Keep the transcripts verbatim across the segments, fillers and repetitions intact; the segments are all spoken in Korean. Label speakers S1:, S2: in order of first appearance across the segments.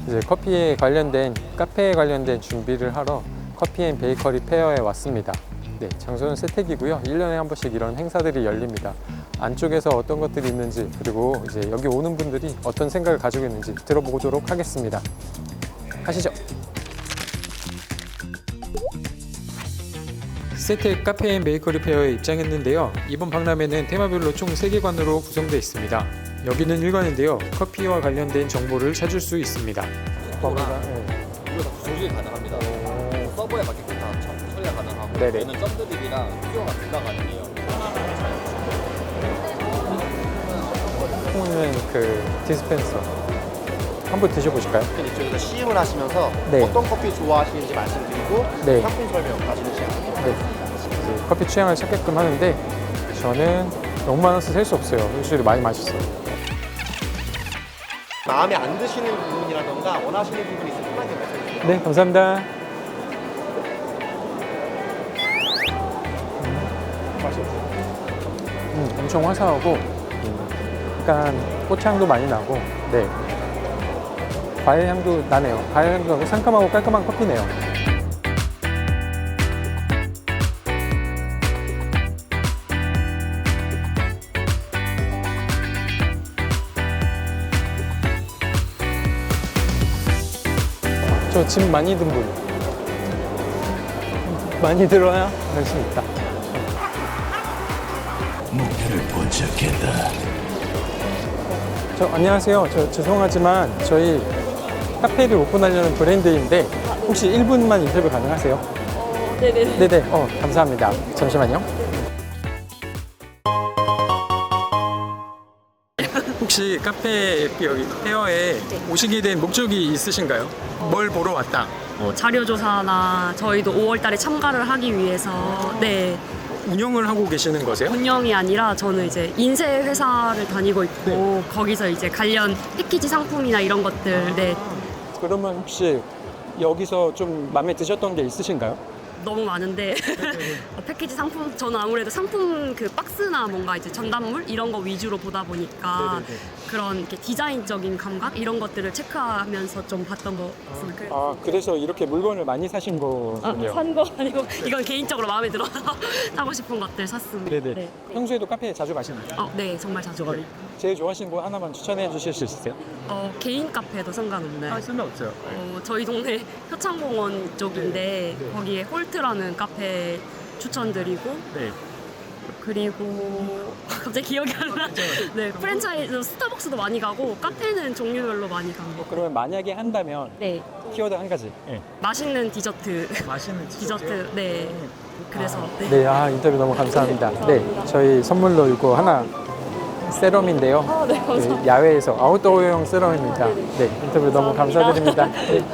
S1: 이제 커피에 관련된 카페에 관련된 준비를 하러 커피 앤 베이커리 페어에 왔습니다. 네, 장소는 세택이고요. 일 년에 한 번씩 이런 행사들이 열립니다. 안쪽에서 어떤 것들이 있는지, 그리고 이제 여기 오는 분들이 어떤 생각을 가지고 있는지 들어보도록 하겠습니다. 가시죠. 세택 카페 앤 베이커리 페어에 입장했는데요. 이번 박람회는 테마별로 총 세 개관으로 구성되어 있습니다. 여기는 일 관인데요. 커피와 관련된 정보를 찾을 수 있습니다.
S2: 서버가 이거 다 조직이 가능합니다. 서버에 맞게끔 다 처- 처리가 가능하고
S1: 네네.
S2: 얘는 썸드립이랑 피오가 둘 다 가능해요.
S1: 콩은 그 디스펜서 한번 드셔보실까요?
S3: 이쪽에서 시음을 하시면서
S1: 네.
S3: 어떤 커피 좋아하시는지 말씀드리고
S1: 네.
S3: 상품 설명 가지는 시간.
S1: 네. 이제 커피 취향을 찾게끔 하는데 저는 너무 많아서 셀 수 없어요. 확실히 많이 마셨어요.
S3: 마음에 안 드시는 부분이라던가 원하시는 부분이 있으면 편하게 말씀해주세요.
S1: 네, 감사합니다.
S3: 맛이 없어요.
S1: 음, 엄청 화사하고 음, 약간 꽃향도 많이 나고, 네, 과일 향도 나네요. 과일 향도 나고 상큼하고 깔끔한 커피네요. 저 짐 많이 든 분. 많이 들어야 관심 있다.
S4: 목표를 포착했다.
S1: 저 안녕하세요. 저 죄송하지만 저희 카페를 오픈하려는 브랜드인데 혹시 일 분만 인터뷰 가능하세요?
S5: 어, 네네.
S1: 네네. 어, 감사합니다. 잠시만요. 혹시 카페 여기 페어에 오시게 된 목적이 있으신가요? 뭘 보러 왔다?
S5: 어, 자료조사나 저희도 오월 달에 참가를 하기 위해서 네
S1: 운영을 하고 계시는 거세요?
S5: 운영이 아니라 저는 이제 인쇄 회사를 다니고 있고 거기서 이제 관련 패키지 상품이나 이런 것들 네
S1: 그러면 혹시 여기서 좀 마음에 드셨던 게 있으신가요?
S5: 너무 많은데 어, 패키지 상품 저는 아무래도 상품 그 박스나 뭔가 이제 전단물 이런 거 위주로 보다 보니까
S1: 네네네.
S5: 그런 이렇게 디자인적인 감각 이런 것들을 체크하면서 좀 봤던 거 같습니다.
S1: 아, 그래서 이렇게 물건을 많이 사신 거군요.
S5: 산 거 아니고 이건 개인적으로 마음에 들어서 사고 싶은 것들 샀습니다.
S1: 네네.
S5: 네.
S1: 평소에도 카페에 자주 가시나요?
S5: 어, 네, 정말 자주 가요.
S1: 제일 좋아하시는 거 하나만 추천해 주실 수 있으세요?
S5: 어, 개인 카페도 상관없나요?
S1: 상관없어요.
S5: 어, 저희 동네 효창공원 쪽인데 거기에 홀트라는 카페 추천드리고
S1: 네.
S5: 그리고 갑자기 기억이 안 나. 네, 프랜차이즈 스타벅스도 많이 가고 카페는 종류별로 많이 가고.
S1: 그러면 만약에 한다면
S5: 네,
S1: 키워드 한 가지. 네.
S5: 맛있는 디저트.
S1: 맛있는
S5: 디저트. 네. 그래서 네.
S1: 네, 아, 인터뷰 너무 감사합니다. 네, 저희 선물로 이거 하나 세럼인데요.
S5: 아, 네, 감사합니다.
S1: 네, 야외에서 아웃도어용 세럼입니다. 네, 인터뷰 너무 감사드립니다. 네.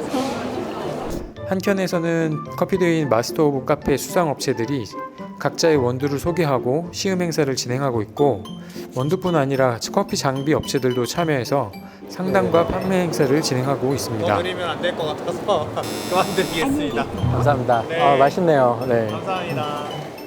S1: 한켠에서는 커피데이인 마스터 오브 카페 수상 업체들이 각자의 원두를 소개하고 시음 행사를 진행하고 있고, 원두뿐 아니라 커피 장비 업체들도 참여해서 상담과 판매 행사를 진행하고 있습니다.
S3: 드리면 안 될 것 같아서 그만드리겠습니다.
S1: 감사합니다.
S3: 네.
S1: 아, 맛있네요. 네.
S3: 감사합니다.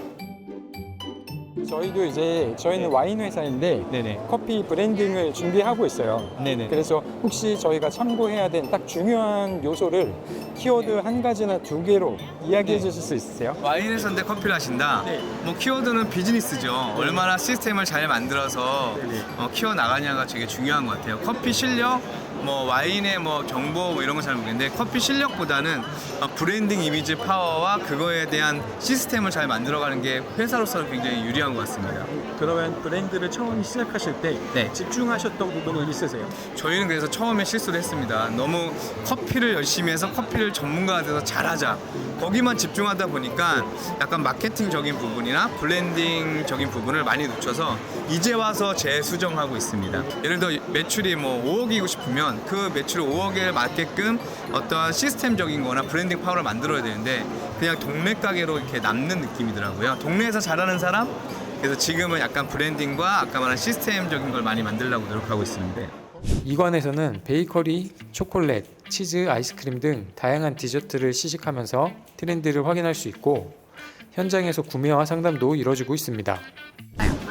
S1: 저희도 이제 저희는 와인 회사인데
S6: 네네.
S1: 커피 브랜딩을 준비하고 있어요.
S6: 네네.
S1: 그래서 혹시 저희가 참고해야 된 딱 중요한 요소를 키워드 한 가지나 두 개로 이야기해 주실 수 있으세요?
S6: 와인 회사인데 커피를 하신다.
S1: 네.
S6: 뭐 키워드는 비즈니스죠. 얼마나 시스템을 잘 만들어서
S1: 네네.
S6: 어, 키워 나가냐가 되게 중요한 것 같아요. 커피 실력, 뭐 와인의 뭐 정보 뭐 이런 건 잘 모르겠는데 커피 실력보다는 어, 브랜딩 이미지 파워와 그거에 대한 시스템을 잘 만들어가는 게 회사로서는 굉장히 유리한 것 같습니다.
S1: 그러면 브랜드를 처음 시작하실 때
S6: 네.
S1: 집중하셨던 부분은 있으세요?
S6: 저희는 그래서 처음에 실수를 했습니다. 너무 커피를 열심히 해서 커피를 전문가가 돼서 잘하자. 거기만 집중하다 보니까 약간 마케팅적인 부분이나 블렌딩적인 부분을 많이 놓쳐서 이제 와서 재수정하고 있습니다. 예를 들어 매출이 뭐 오억이고 싶으면 그 매출 오억에 맞게끔 어떠한 시스템적인 거나 브랜딩 파워를 만들어야 되는데 그냥 동네 가게로 이렇게 남는 느낌이더라고요. 동네에서 잘하는 사람? 그래서 지금은 약간 브랜딩과 아까 말한 시스템적인 걸 많이 만들려고 노력하고 있습니다.
S1: 이관에서는 베이커리, 초콜릿, 치즈, 아이스크림 등 다양한 디저트를 시식하면서 트렌드를 확인할 수 있고 현장에서 구매와 상담도 이루어지고 있습니다.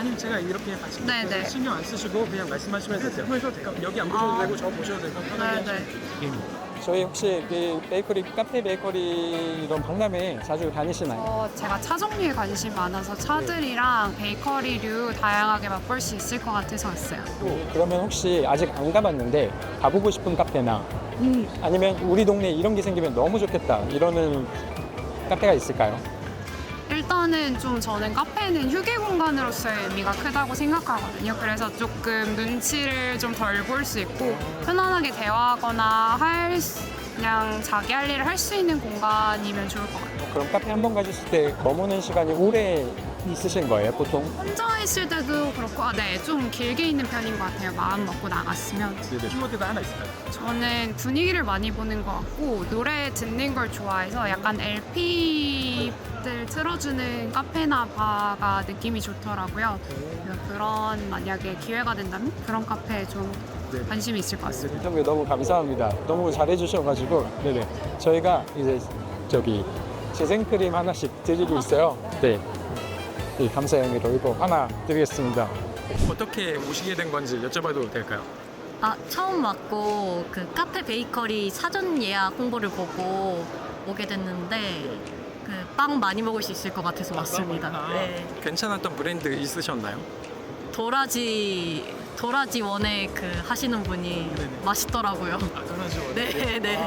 S7: 아니면 제가 이렇게 같이
S5: 네네.
S7: 신경 안 쓰시고 그냥 말씀하시면 되세요. 그러니까 여기 안 보셔도
S5: 아.
S7: 되고 저 보셔도 되고 편하게
S5: 네네.
S1: 저희 혹시 그 베이커리, 카페 베이커리 이런 박람회 자주 다니시나요?
S8: 어, 제가 차 종류에 관심이 많아서 차들이랑 베이커리류 다양하게 맛볼 수 있을 것 같아서 왔어요.
S1: 그러면 혹시 아직 안 가봤는데 가보고 싶은 카페나 아니면 우리 동네에 이런 게 생기면 너무 좋겠다 이러는 카페가 있을까요?
S8: 일단은 좀 저는 카페는 휴게 공간으로서의 의미가 크다고 생각하거든요. 그래서 조금 눈치를 좀 덜 볼 수 있고 편안하게 대화하거나 할 수- 그냥 자기 할 일을 할 수 있는 공간이면 좋을 것 같아요.
S1: 그럼 카페 한 번 가셨을 때 머무는 시간이 오래 있으신 거예요, 보통?
S8: 혼자 있을 때도 그렇고 아, 네, 좀 길게 있는 편인 것 같아요. 마음 먹고 나갔으면.
S7: 키워드가 하나 있을까요?
S8: 저는 분위기를 많이 보는 것 같고 노래 듣는 걸 좋아해서 약간 엘피들 틀어주는 카페나 바가 느낌이 좋더라고요. 그래서 그런 만약에 기회가 된다면 그런 카페에 좀 관심이 있을 것 같습니다.
S1: 인터뷰 너무 감사합니다. 너무 잘해주셔가지고 네네 저희가 이제 저기 재생크림 하나씩 드리고 있어요. 네, 네 감사의 의미로 이거 하나 드리겠습니다.
S7: 어떻게 오시게 된 건지 여쭤봐도 될까요?
S9: 아, 처음 왔고 그 카페 베이커리 사전 예약 홍보를 보고 오게 됐는데 그 빵 많이 먹을 수 있을 것 같아서 왔습니다. 네.
S7: 괜찮았던 브랜드 있으셨나요?
S9: 도라지 도라지 원에 그 하시는 분이 맛있더라고요.
S7: 아, 전화주원.
S9: 네, 네.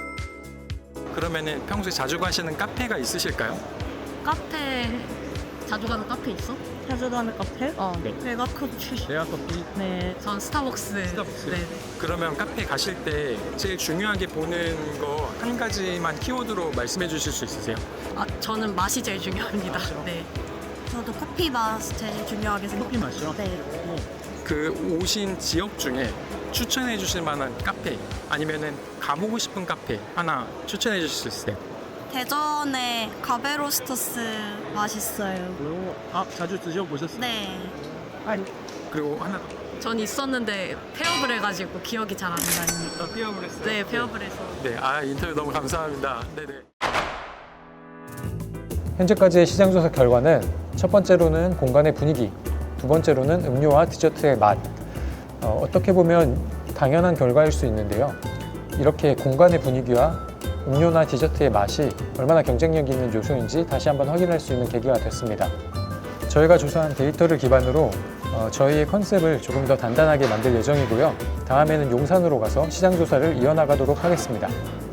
S7: 그러면은 평소에 자주 가시는 카페가 있으실까요?
S9: 카페 자주 가는 카페 있어? 자주 가는 카페? 어,
S7: 네.
S9: 메가 커피.
S7: 레아 커피.
S9: 네, 전 스타벅스.
S7: 스타벅스.
S9: 네.
S7: 그러면 카페 가실 때 제일 중요하게 보는 거 한 가지만 키워드로 말씀해 주실 수 있으세요?
S9: 아, 저는 맛이 제일 중요합니다. 네. 저도 커피 맛 제일 중요하게 생각해요.
S7: 커피 맛이요?
S9: 네.
S7: 그 오신 지역 중에 추천해 주실 만한 카페 아니면은 가보고 싶은 카페 하나 추천해 주실 수 있어요?
S9: 대전에 가베로스터스 맛있어요.
S7: 아 자주 드셔보셨어요?
S9: 네.
S7: 그리고 하나
S9: 전 있었는데 폐업을 해가지고 기억이 잘 안 나요.
S7: 더 띄워을 했어요.
S9: 네, 폐업을 해서.
S7: 네, 아 인터뷰 너무 감사합니다. 네네.
S1: 현재까지의 시장조사 결과는 첫 번째로는 공간의 분위기, 두 번째로는 음료와 디저트의 맛. 어, 어떻게 보면 당연한 결과일 수 있는데요. 이렇게 공간의 분위기와 음료나 디저트의 맛이 얼마나 경쟁력 있는 요소인지 다시 한번 확인할 수 있는 계기가 됐습니다. 저희가 조사한 데이터를 기반으로 어, 저희의 컨셉을 조금 더 단단하게 만들 예정이고요. 다음에는 용산으로 가서 시장조사를 이어나가도록 하겠습니다.